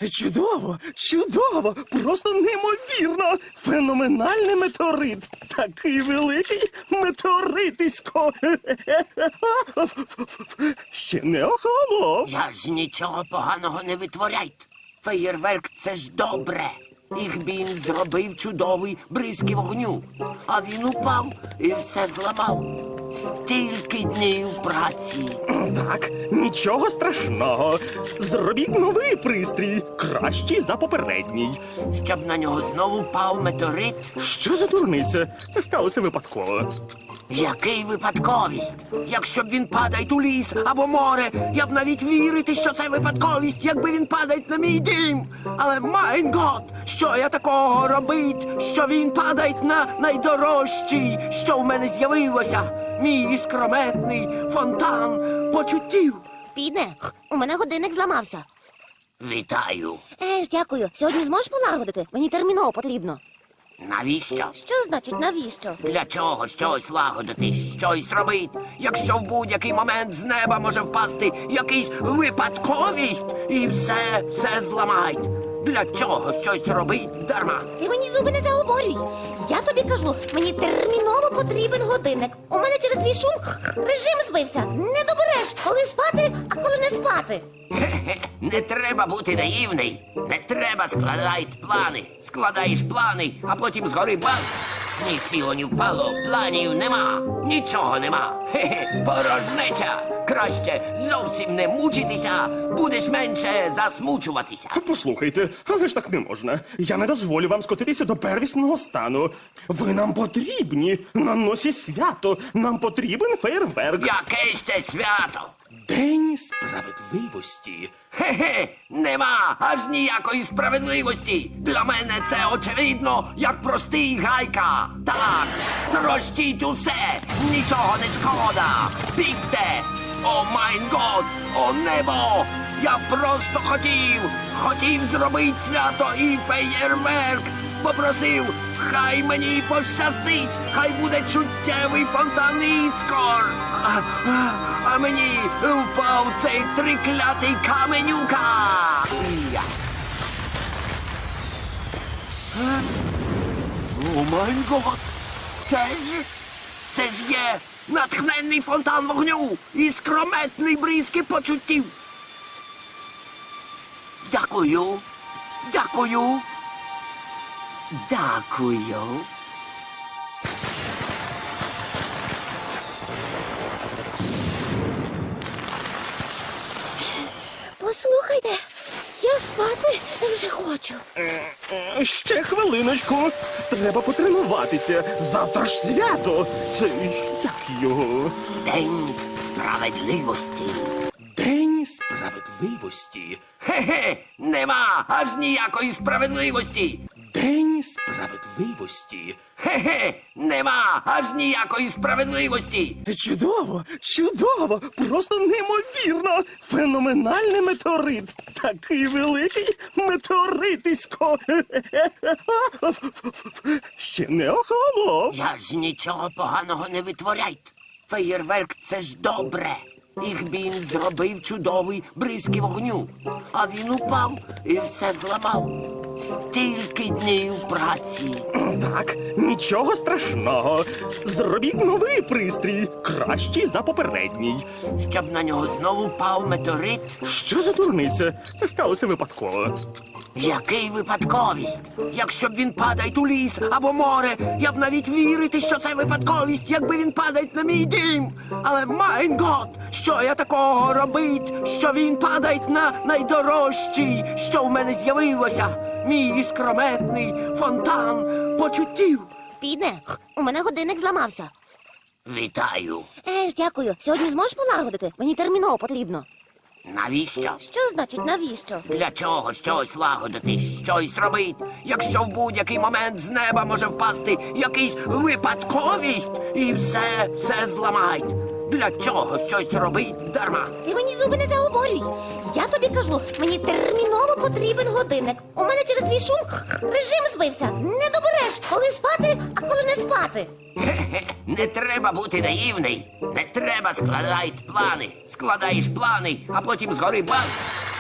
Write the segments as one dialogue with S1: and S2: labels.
S1: Чудово, чудово, просто неймовірно. Феноменальний метеорит. Такий великий метеоритисько. Ще не охолонув.
S2: Я ж нічого поганого не витворяйте. Феєрверк – це ж добре. Ігбін зробив чудовий бризки вогню. А він упав і все зламав. Стільки днів праці.
S1: Так, нічого страшного. Зробіть новий пристрій, кращий за попередній.
S2: Щоб на нього знову впав метеорит.
S1: Що за дурниця? Це сталося випадково.
S2: Який випадковість? Якщо б він падає у ліс або море, я б навіть вірити, що це випадковість, якби він падає на мій дім. Але, майн гот, що я такого робить, що він падає на найдорожчий, що в мене з'явилося? Мій іскрометний фонтан почуттів.
S3: Піде, у мене годинник зламався.
S2: Вітаю.
S3: Дякую. Сьогодні зможеш полагодити? Мені терміново потрібно.
S2: Навіщо?
S3: Що значить навіщо?
S2: Для чого щось лагодити, щось робить, якщо в будь-який момент з неба може впасти якийсь випадковість і все зламають? Для чого щось робить дарма?
S3: Ти мені зуби не заговорюй. Я тобі кажу, мені терміново потрібен годинник. У мене через твій шум режим збився. Не добереш, коли спати, а коли не спати.
S2: Хе-хе, не треба бути наївний. Не треба складати плани. Складаєш плани, а потім згори бац. Ні сіло, ні впало, планів нема. Нічого нема. Хе-хе, порожнеча. Краще зовсім не мучитися, будеш менше засмучуватися.
S1: Послухайте, але ж так не можна. Я не дозволю вам скотитися до первісного стану. Ви нам потрібні. На носі свято. Нам потрібен фейерверк.
S2: Яке ще свято?
S1: День справедливості.
S2: Хе-хе, нема аж ніякої справедливості. Для мене це очевидно, як простий гайка. Так, трощіть усе, нічого не шкода. Бігте! О майн год, о небо! Я просто хотів зробити свято і феєрверк. Попросив, хай мені пощастить, хай буде чуттєвий фонтан іскор. А мені впав цей триклятий каменюка. Я. О май гот! Це ж є натхненний фонтан вогню і скрометний бризки почуттів. Дякую. Дякую. Дякую.
S3: Послухайте, я спати вже хочу.
S1: Ще хвилиночку. Треба потренуватися. Завтра ж свято. Це як його?
S2: День справедливості.
S1: День справедливості.
S2: Хе-хе, нема аж ніякої справедливості.
S1: День справедливості.
S2: Хе-хе, нема аж ніякої справедливості.
S1: Чудово, чудово, просто неймовірно. Феноменальний метеорит. Такий великий метеоритисько. Ще не охолонув.
S2: Я ж нічого поганого не витворяйте. Феєрверк – це ж добре. Ігбін зробив чудовий бризки вогню. А він упав і все зламав. Стільки днів праці.
S1: Так, нічого страшного. Зробіть новий пристрій, кращий за попередній.
S2: Щоб на нього знову впав метеорит.
S1: Що за дурниця? Це сталося випадково.
S2: Який випадковість? Якщо б він падає у ліс або море, я б навіть вірити, що це випадковість, якби він падає на мій дім. Але, майн гот, що я такого робить, що він падає на найдорожчий, що в мене з'явилося? Мій іскрометний фонтан почуттів.
S3: Піде, у мене годинник зламався.
S2: Вітаю.
S3: Дякую. Сьогодні зможеш полагодити? Мені терміново потрібно.
S2: Навіщо?
S3: Що значить навіщо?
S2: Для чого щось лагодити, щось робить, якщо в будь-який момент з неба може впасти якийсь випадковість і все зламають? Для чого щось робить дарма?
S3: Ти мені зуби не заговорюй. Я тобі кажу, мені терміново потрібен годинник. У мене через твій шум режим збився. Не добереш, коли спати, а коли не спати.
S2: Хе-хе, не треба бути наївний. Не треба складати плани. Складаєш плани, а потім згори бац.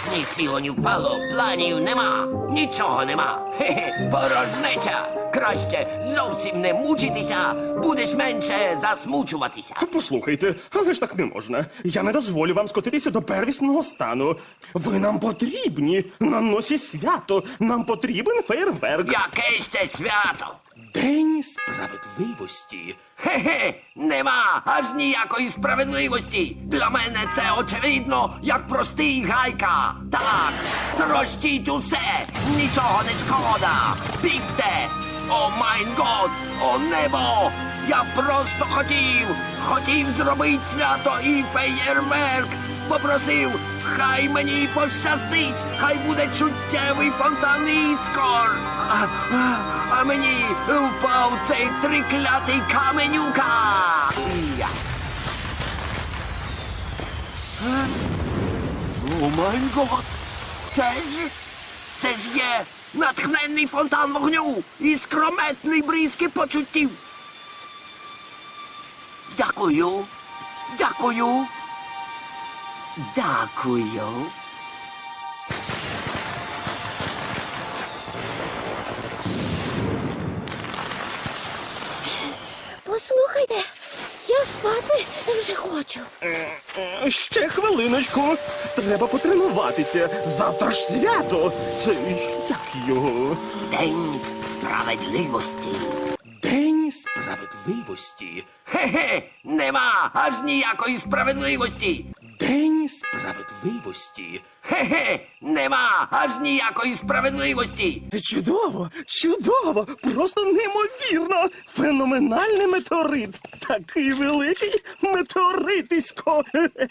S2: Ні сіло, ні впало, планів нема, нічого нема. Хе-хе, порожнеча. Краще зовсім не мучитися, будеш менше засмучуватися.
S1: Послухайте, але ж так не можна. Я не дозволю вам скотитися до первісного стану. Ви нам потрібні на носі свято. Нам потрібен фейерверк.
S2: Яке ще свято?
S1: День справедливості.
S2: Хе-хе, нема аж ніякої справедливості. Для мене це очевидно, як простий гайка. Так, трощіть усе, нічого не шкода. Бігте! О майн год, о небо! Я просто хотів зробити свято і феєрверк. Попросив, хай мені пощастить, хай буде чуттєвий фонтан іскор. А мені впав цей триклятий каменюка. Я. О май гот! Це ж є натхненний фонтан вогню і скрометний бризки почуттів. Дякую. Дякую. Дякую.
S3: Послухайте, я спати вже хочу.
S1: Ще хвилиночку. Треба потренуватися. Завтра ж свято. Це як його?
S2: День справедливості.
S1: День справедливості.
S2: Хе-хе, нема аж ніякої справедливості.
S1: День справедливості.
S2: Хе-хе, нема аж ніякої справедливості.
S1: Чудово, чудово, просто неймовірно. Феноменальний метеорит. Такий великий метеоритисько.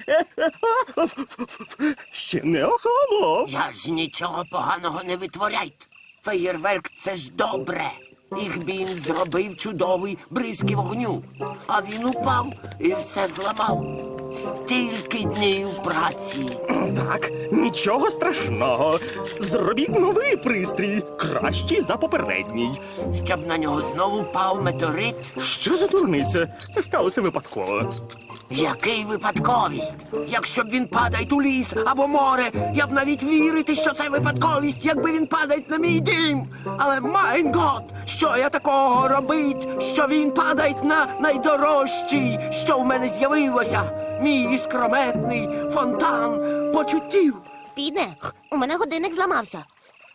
S1: Ще не охолонув.
S2: Я ж нічого поганого не витворяйте. Феєрверк — це ж добре. Їх він зробив чудовий бризки вогню. А він упав і все зламав. Стільки днів праці.
S1: Так, нічого страшного. Зробіть новий пристрій, кращий за попередній.
S2: Щоб на нього знову впав метеорит.
S1: Що за дурниця? Це сталося випадково.
S2: Який випадковість? Якщо б він падає у ліс або море, я б навіть вірити, що це випадковість, якби він падає на мій дім. Але майн гот, що я такого робить, що він падає на найдорожчий, що в мене з'явилося, мій іскрометний фонтан почуттів.
S3: Піде, у мене годинник зламався.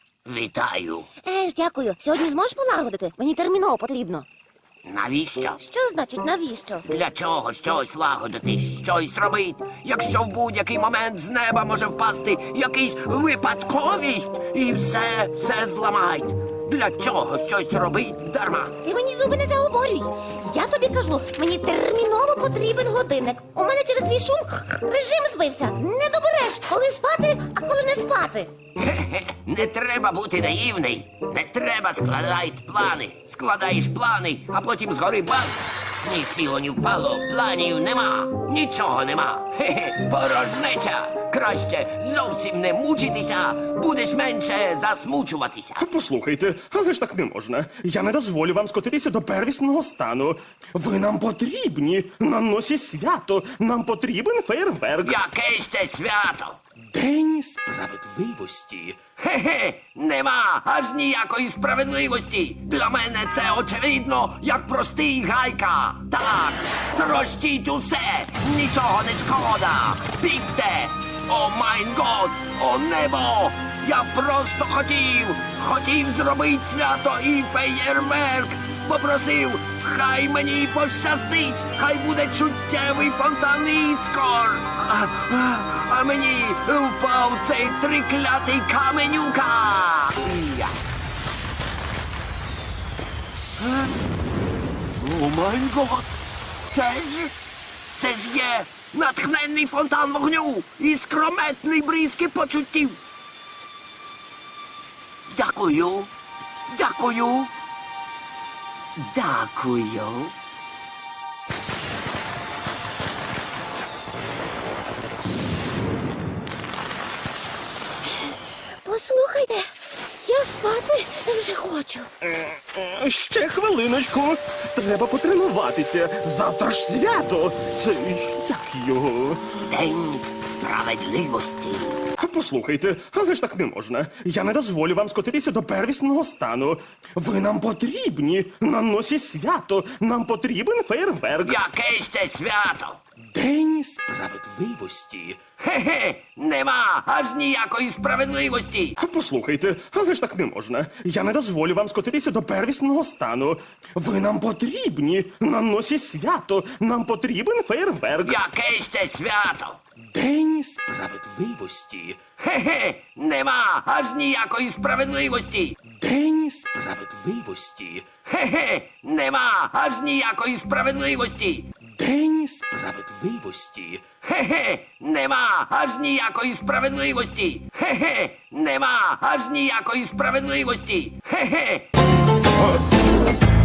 S2: Вітаю.
S3: Дякую. Сьогодні зможеш полагодити? Мені терміново потрібно.
S2: Навіщо?
S3: Що значить навіщо?
S2: Для чого щось лагодити, щось робити, якщо в будь-який момент з неба може впасти якийсь випадковість і все зламають? Для чого щось робить дарма?
S3: Ти мені зуби не заговорюй. Я тобі кажу, мені терміново потрібен годинник. У мене через твій шум режим збився. Не добереш, коли спати, а коли не спати.
S2: Хе-хе, не треба бути наївний. Не треба складати плани. Складаєш плани, а потім згори бац. Ні сіло, ні впало, планів нема, нічого нема. Хе-хе, порожнеча. Краще зовсім не мучитися, будеш менше засмучуватися.
S1: Послухайте, але ж так не можна. Я не дозволю вам скотитися до первісного стану. Ви нам потрібні на носі свято. Нам потрібен фейерверк.
S2: Яке ще свято?
S1: День справедливості.
S2: Хе-хе, нема аж ніякої справедливості. Для мене це очевидно, як простий гайка. Так, трощіть усе, нічого не шкода. Бігте! О майн год, о небо! Я просто хотів зробити свято і феєрверк. Попросив, хай мені пощастить, хай буде чуттєвий фонтан іскор. А мені впав цей триклятий каменюка. Я. О май гот! Це ж є натхненний фонтан вогню і скрометний бризки почуттів. Дякую. Дякую. Дякую.
S3: Послухайте, я спати вже хочу.
S1: Ще хвилиночку. Треба потренуватися. Завтра ж свято. Це як його?
S2: День справедливості.
S1: Послухайте, але ж так не можна. Я не дозволю вам скотитися до первісного стану. Ви нам потрібні на носі свято. Нам потрібен фейерверк.
S2: Яке ще свято?
S1: День справедливості.
S2: Хе-хе, нема аж ніякої справедливості.
S1: Послухайте, але ж так не можна. Я не дозволю вам скотитися до первісного стану. Ви нам потрібні на носі свято. Нам потрібен фейерверк.
S2: Яке ще свято?
S1: День справедливості.
S2: Хе-хе, нема аж ніякої справедливості.
S1: День справедливості.
S2: Хе-хе, нема аж ніякої справедливості.
S1: День справедливості.
S2: Хе-хе, нема аж ніякої справедливості. Хе-хе, нема аж ніякої справедливості. Хе-хе.